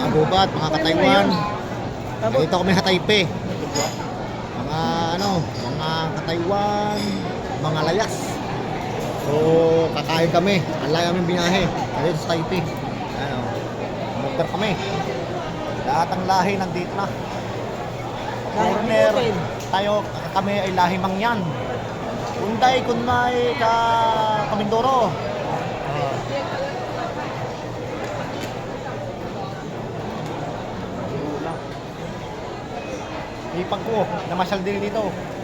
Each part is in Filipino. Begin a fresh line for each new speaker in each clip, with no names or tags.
gubat, mga ka-Taiwan. Dito kami sa Taipei. Mga mga ka-Taiwan, mga layas. So, kakain kami. Ang layo aming binahe. Dito sa Taipei. Order kami. Lahat ng lahi nandito na. Foreigner, kami ay lahi Mangyan. Kunday, kunmay, Kamindoro. Ipag ko, namasyal din dito.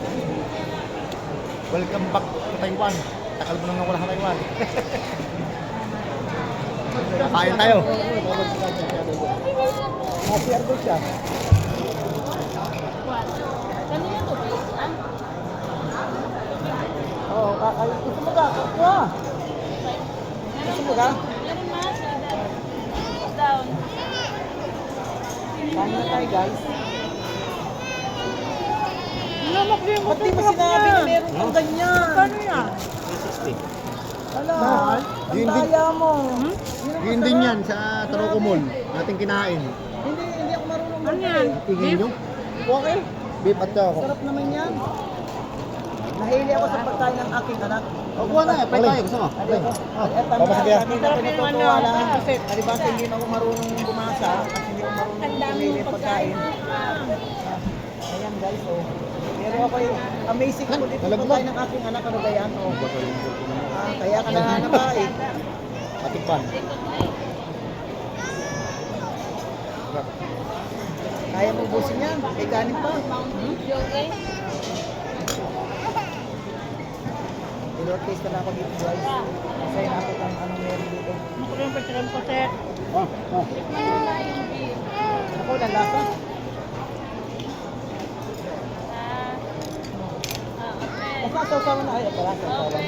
Welcome back to Taiwan. Takal mo nang nawala sa Taiwan. Kain tayo. Masiyar ko siya.
Kanina to ba?
Oo, gusto mo ka? Kuha! Gusto mo ka?
Down.
Kain na tayo, guys.
Namak din
Ba't di mo sinabi na meron kang ganyan?
Paano yan?
360.
Hala, ang
Yun din.
daya mo.
Yun din yan sa Taroco Mall. Nating kinain.
Hindi ako marunong
Ano yan?
Tingin nyo?
Okay,
Beef at ako.
sarap naman yan. Nahili ako sa pagkain ng aking anak.
O, kuha na. Pwede tayo. Gusto mo?
At
Papasagya.
Masarap yung ano,
kasi alibasa hindi ako marunong bumasa at hindi ako marunong
Ang dami
pumili
mong
pagkain.
pagkain.
Ayan guys, oh. Pero ako amazing ako dito sa
Nalaglag.
pagkain ng aking anak. Ano ba yan? Oh. Kaya ka na nabae.
Patikpan.
Kaya mo ubusin yan. May kanin pa.
Okay?
Ilor-taste na ako dito guys. Kasi natin ang anong meron dito.
Masarap yung pagkain ko sir.
Ako, lalasa. Basta sausawan na. Ay, pala sausawan.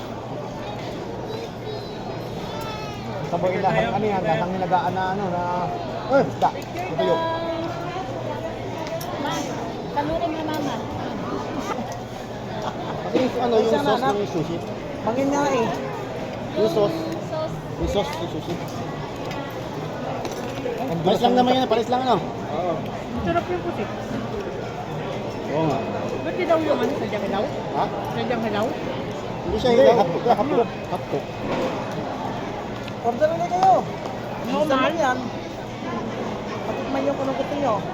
Sabay lahang ano yan. Lahang nilagaan na isda. Ito yun.
Kalurin na mama.
Kasi yung sauce ng sushi.
Mangin nga eh.
Yung sauce. Yung sauce ng sushi. Paris lang naman yan. Paris lang Oo.
Masarap yung pusit.
Oo nga.
Ba't di daw yung ano sa hilaw?
Ha?
Sa hilaw?
Hindi siya hilaw. Hapto.
Order na kayo.
No,
Gusto mo
mahal.
yan. Patikman yung kung gusto nyo.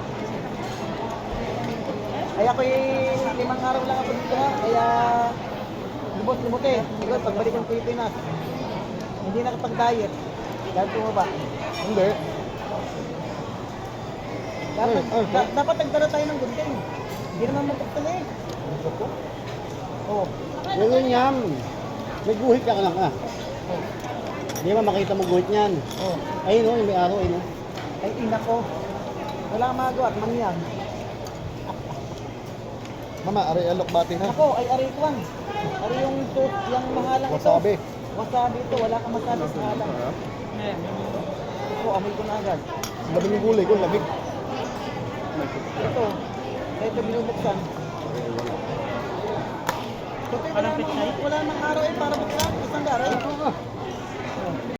Ay ako'y 5 araw lang ako dito ha. Kaya lumot-lumot eh. Siguro pagbalik ng Pilipinas. Hindi nakapag-diet. Dahil tumaba.
Hindi.
Dapat nagdala tayo ng gunting. Hindi naman mapagtala eh. Oo.
Ganun yan. May guhit ka lang Hindi ba makita mo guhit niyan?
Oo.
Ayun yung may araw.
Ay ina ko. Wala kang magawa at mangyan.
Mama, aray alok batin ha?
Ako ay arikwan. Ari yung mahalang ito.
Wasabi.
Wasabi ito. Wala kang masabi sa halang. Ito, amoy ko na agad.
Labi yung gulay ko, lamig.
Ito binubuksan. Ito, wala nang araw eh para buksan. Isang daray.